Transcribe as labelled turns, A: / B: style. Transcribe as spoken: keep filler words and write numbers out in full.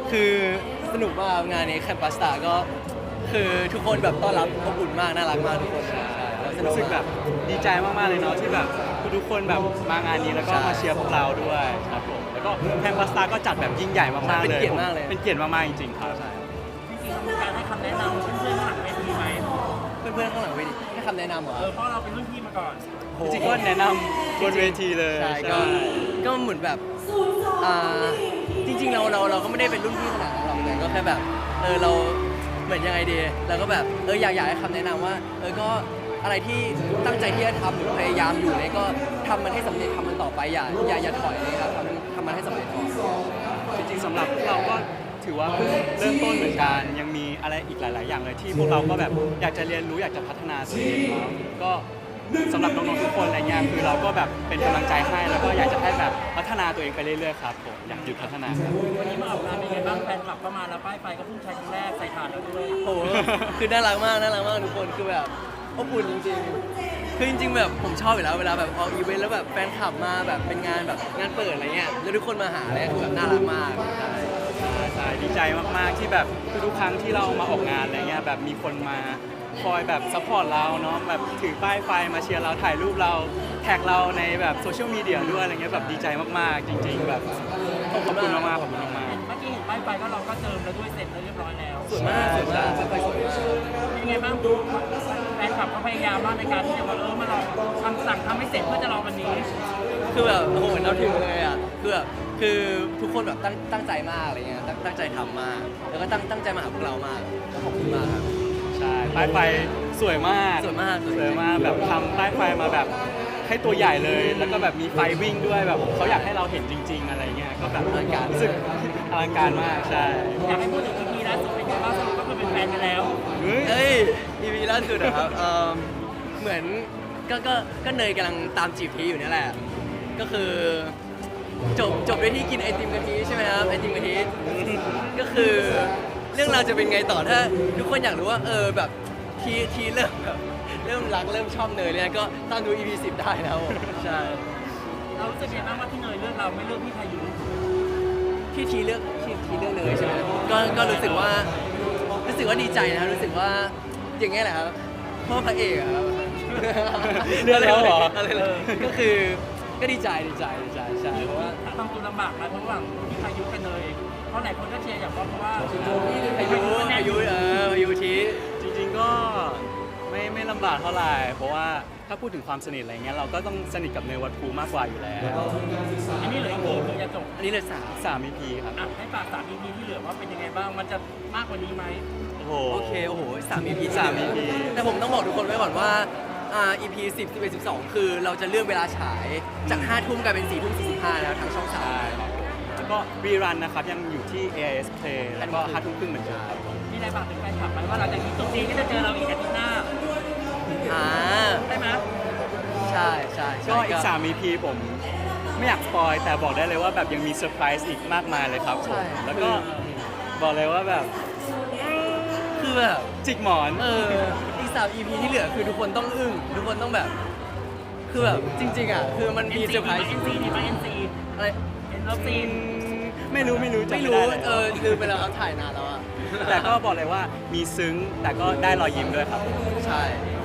A: คือสนุกมากงานนี้แคมปัสตาก็คือทุกคนแบบต้อนรับอบอุ่นมากน่ารักมากทุกคนใช่แล้วสนุก
B: รู้สึกแบบดีใจมากๆเลยเนาะที่แบบทุกๆคนแบบมางานนี้แล้วก็มาเชียร์พวกเราด้วยครับผมแล้วก็แคมปัสตาก็จัดแบบยิ่งใหญ่มากๆเลย
A: เป็นเกียรติมากเลย
B: เป็นเกียรติมากๆจริงๆครับ
C: จริงๆเรามีการให้คำแนะนำเพื่อนๆข้างหลังเวทีไหม
A: เพื่อนๆข้างหลังเวทีให้คำแนะนำเหรอ
C: เออเพราะเราเป็นรุ่นพี่มาก่อน
A: โห
B: จริงๆก็แนะนำบนเวทีเลย
A: ใช่ก็ก็เหมือนแบบอ่าจริงๆเราเราเราก็ไม่ได้เป็นรุ่นพี่ขนาดนั้นหรอกแต่ก็แค่แบบเออเราเหมือนยังไงดีเราก็แบบเอออยากอยากให้คำแนะนำว่าเออก็อะไรที่ตั้งใจที่จะทำหรือพยายามอยู่เนี่ยก็ทำมันให้สำเร็จทำมันต่อไปอย่าอย่าอย่าถอยเลยครับทำทำมันให้สำเร็จก่อน
B: จริงๆสำหรับพวกเราก็ถือว่าเพิ่งเริ่มต้นเหมือนกันยังมีอะไรอีกหลาย ๆ อย่างเลยที่พวกเราก็แบบอยากจะเรียนรู้อยากจะพัฒนาตัวเองเนาะก็สำหรับน้องๆทุกคนอะไรเงี้ยคือเราก็แบบเป็นกำลังใจให้แล้วก็อยากจะให้แบบพัฒนาตัวเองไปเรื่อย ๆ ครับผมอยากหยุดพัฒนาครับ
C: วันนี้มาออกงานเป็นไงบ้างแฟนคลับก็มาแล้วป้ายไฟก็เพิ่งใช้ครั้งแรกใส่ถ่านแล้วด้วย
A: โอ้โหคือน่ารักมากน่ารักมากทุกคนคือแบบอบอุ่นจริงๆคือจริงๆแบบผมชอบอยู่แล้วเวลาแบบออกอีเวนต์แล้วแบบแฟนคลับมาแบบเป็นงานแบบงานเปิดอะไรเงี้ยแล้วทุกคนมาหาอะไรคือแบบน่ารักมากใช่
B: ใช่ดีใจมากๆที่แบบทุกๆครั้งที่เรามาออกงานอะไรเงี้ยแบบมีคนมาคอยแบบซัพพอร์ตเราเนาะแบบถือป้ายไฟมาเชียร์เราถ่ายรูปเราแท็กเราในแบบโซเชียลมีเดียด้วยอะไรเงี้ยแบบดีใจมากๆจริง ๆ แบบขอบคุณมากๆขอบคุณมาก
C: เมื่อกี้เห็นป้ายไฟก็เราก็เจิมแล้วด้วยเสร็จแล้วเรียบร้อยแล้ว
A: สวยมากสวยมากไปสวยมาก
C: เป็นไงบ้างดูแฟนคลับเขาพยายามมากในการที่จะมาเออมาลองคำสั่งทำให้เสร็จเพื่อจะรอวันนี้
A: คือแบบโอ้โหเราถึงเลยอ่ะคือแบบคือทุกคนแบบตั้งตั้งใจมากอะไรเงี้ยตั้งตั้งใจทำมากแล้วก็ตั้งตั้งใจมาหาพวกเรามากขอบคุณมากครับ
B: ๆใช่ป้ายไฟสวยมาก
A: สวยมาก
B: สวยมากแบบทำป้ายไฟมาแบบให้ตัวใหญ่เลย แล้วก็แบบมีไฟวิ่งด้วยแบบเขาอยากให้เราเห็นจริง ๆ อะไรเงี้ยก็แบบ
A: อลังการ
B: รู้สึกอลังการมากใช่
C: อยากให้พูดถึงอีพีล่าสุดเป็นไงบ้างสรุปก็คือเป็นแฟนกันแล้ว
B: เฮ้ย
A: เอ้ยอีพีล่าสุดนะครับเอิ่มเหมือนก็ก็ก็เนยกำลังตามจีบพีอยู่เนี่ยแหละก็คือจบจบด้วยที่กินไอติมกะทิใช่ไหมครับไอติมกะทิก็คือเรื่องราวจะเป็นไงต่อถ้าทุกคนอยากรู้ว่าเออแบบทีทีเริ่มแบบเริ่มรักเริ่มชอบเนยเนี่ยก็ตามดู อี พี สิบได้นะครับผมใช่
C: เรารู้สึกยังไงบ้างว่าที่เนยเลือกเราไม่เลือกพี่พายุ
A: ที่ทีเลือกที่ทีเลือกเนยใช่ไหมก็ก็รู้สึกว่ารู้สึกว่าดีใจนะครับรู้สึกว่าอย่างเงี้ยแหละครับพ่อพระเอกอะครับ
B: เลือกแล้วเหรอ
A: อะไรเลยก็คือก็ดีใจดีใจดีใจใช่เพราะว่า
C: ทำตัวลำบากนะระหว่างพี่พายุกับเนยเพราะหลายคนก็เชียร์อย่างว่าเพราะว่า
A: อายุอายุเอออายุที
B: จริงๆก็ไม่ไม่ลำบากเท่าไหร่เพราะว่าถ้าพูดถึงความสนิทอะไรเงี้ยเราก็ต้องสนิทกับเนยวัดภูมากกว่าอยู่แล้ว
C: อันนี้เหลืออีกกี่คือจะจบ
A: อันนี้เลยสาม
B: สามอีพีครับ
C: อ่ะให้ฝากสาม อี พี ที่เหลือว่าเป็นยังไงบ้างมันจะมากกว่านี้ไหม
B: โอ้โห
A: โอเคโอ้โหสาม อี พี
B: สาม อี พี
A: แต่ผมต้องบอกทุกคนไว้ก่อนว่าอ่า อี พี สิบ สิบเอ็ด สิบสองคือเราจะเลื่อนเวลาฉายจากห้าทุ่มกลายเป็นสี่ทุ่มสี่สิบห้าแล้วทางช่องสาม
B: ใช่ครับแล้วก็รีรันนะครับยังอยู่ที่ เอ ไอ เอส Play แล้วก็ห้าทุ่มครึ่งเหมือนเดิมครับ
C: มีอะไรฝากถึงแฟนคลับไหมว่าหลังจากนี้จบซีก็จะเจอเราอีกอาทิตย์หน้า
A: อ่า
C: ใช่ไหม
A: ใช่ใช่ใช่
B: ก็อีกสาม อี พี ผมไม่อยากสปอยแต่บอกได้เลยว่าแบบยังมีเซอร์ไพรส์อีกมากมายเลยครับผม
A: ใช่
B: แล้วก็บอกเลยว่าแบบ
A: คือแบบ
B: จิกหมอน
A: เอออีกสาม อี พี ที่เหลือคือทุกคนต้องอึ้งทุกคนต้องแบบ คือแบบจริง ๆอ่ะคือมันมีเซอร์ไพรส์
C: เอ็นซีดีไหมเอ็นซี
A: อะไร
C: เอ็นเลิฟซีน
B: ไม่รู้ไม่รู้จำ
A: ไม่
B: ไม่
A: รู้
B: ได้เลย
A: เออลืมไปแล้วครับถ่ายนานแล้วอ่ะ
B: แต่ก็บอกเลยว่ามีซึ้งแต่ก็ได้รอยยิ้มด้วยครับ
A: ใช่